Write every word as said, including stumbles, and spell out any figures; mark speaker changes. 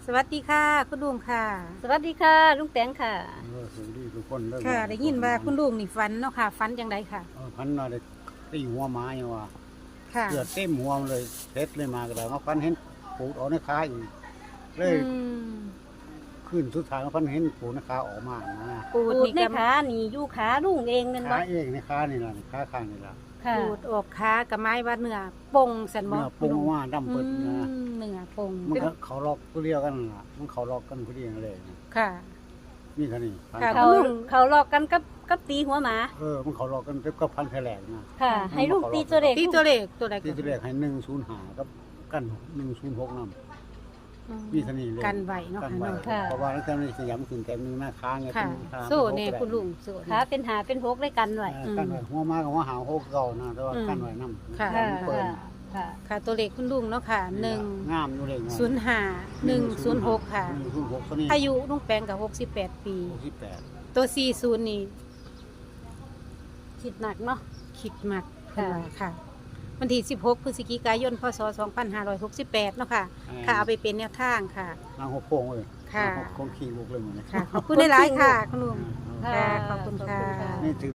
Speaker 1: สวัสดีค่ะคุณลุงค่ะ
Speaker 2: สวัสดีค่ะลุงแตงค่ะ
Speaker 3: เออสวัสดีทุกคนเด้อ
Speaker 1: ค่ะได้ยินว่าคุณลุงนี่ฝันเนาะค่ะฝันจังไดค่ะ
Speaker 3: เออพันว่าได้ตีหัวหมาอย่างว่า
Speaker 1: ค่ะ
Speaker 3: เลือดเต็มหัวมันเลยเซ็ดเลยมาก็ได้มาพันเห็นปูดออกในขาอีกเลย
Speaker 1: อืม
Speaker 3: ขึ้นสุดท้ายมาพันเห็นปูดในขาออกมานะ
Speaker 1: ปูด
Speaker 2: ปูด
Speaker 1: นี่
Speaker 2: ใน
Speaker 1: ก็
Speaker 2: ขานี่อยู่ขาลุงเองนั่น
Speaker 3: ขา
Speaker 2: บ่
Speaker 3: เองในขานี่ล่ะขาข้างนี่ล่ะ
Speaker 2: ค่ะ
Speaker 1: ปูดออกขากับไม้ว่าเนื้อปงสันบ่
Speaker 3: เนื้อปุงออกมาดำ
Speaker 1: อื
Speaker 3: เปิดนะ
Speaker 1: มเนื้อปง
Speaker 3: มันก็เขาล็อกผู้เรียกกันล่ะมันเขาล็อกกันผู้เรียกกันเลยนะ
Speaker 1: ค่ะ
Speaker 3: นี่ค่ะนี่พัน
Speaker 1: ค่ะ
Speaker 2: เขาเขาหลอกกันกับกับตีหัวหมา
Speaker 3: เออมันเขาล็อกกันก็พันแผลกนะ
Speaker 2: ค่ะ ให้ลุงตีตัวเด็ก
Speaker 1: ตีตัวเลขตัวใด
Speaker 3: ที่ตัวแรกให้หนึ่งศูนย์หากับกันหนึ่งศูนย์หกนำมีเท่านี้เลย
Speaker 1: กันไหวเนาะ
Speaker 3: กัน
Speaker 1: ค่ะ
Speaker 3: ไว้
Speaker 1: เนาะ
Speaker 2: ค่ะ
Speaker 3: เพราะว่าแล้วแต่ในสยามถึงแต่มีหน้าค้างไง
Speaker 1: ค่ะ
Speaker 3: เป็นค้าง
Speaker 1: โซ่
Speaker 3: เป็น
Speaker 1: เนี่
Speaker 3: หก
Speaker 1: คุณลุงโซ่
Speaker 2: ขาเป็นหาเป็นหกได้กันไว้
Speaker 3: เออกันไว้หัวมากับหัวหางหัวเก่านะแต่ว่า
Speaker 1: อืม
Speaker 3: กันไว้น้ำ
Speaker 1: ค่ะ
Speaker 2: ค่ะ
Speaker 3: เปิด
Speaker 2: ค่ะ
Speaker 1: ค่ะตัวเลขคุณลุงเนาะค่ะหนึ่ง
Speaker 3: งามอยู่เลย
Speaker 1: ศูนย์ห้าหนึ่งศูนย์หกค่ะ
Speaker 3: หนึ่งศูนย์หกตัวนี้
Speaker 1: อายุลุงแปงกับหกสิบแปดปี
Speaker 3: หกสิบแปด
Speaker 1: ตัวสี่ศูนย์นี่
Speaker 2: คิดหนักเนาะ
Speaker 1: คิดมากเพิ่น
Speaker 2: ค่ะ
Speaker 1: ว่าค่ะ วันที่สิบหกพฤศจิกายนพศสองพันห้าร้อยหกสิบแปดเนาะค่ะ ค่ะเอาไปเป็นแนวทางค่ะ
Speaker 3: นางหัวโป่งเลย
Speaker 1: ค่ะ
Speaker 3: นางหัวโป่งขี้ลูกเลยเหมือนกัน
Speaker 1: ค่ะ ขอบคุณหลายๆค่ะ คุณลุง
Speaker 3: อ่า
Speaker 1: ค่ะขอบคุณค่ะ
Speaker 3: นี่ถือ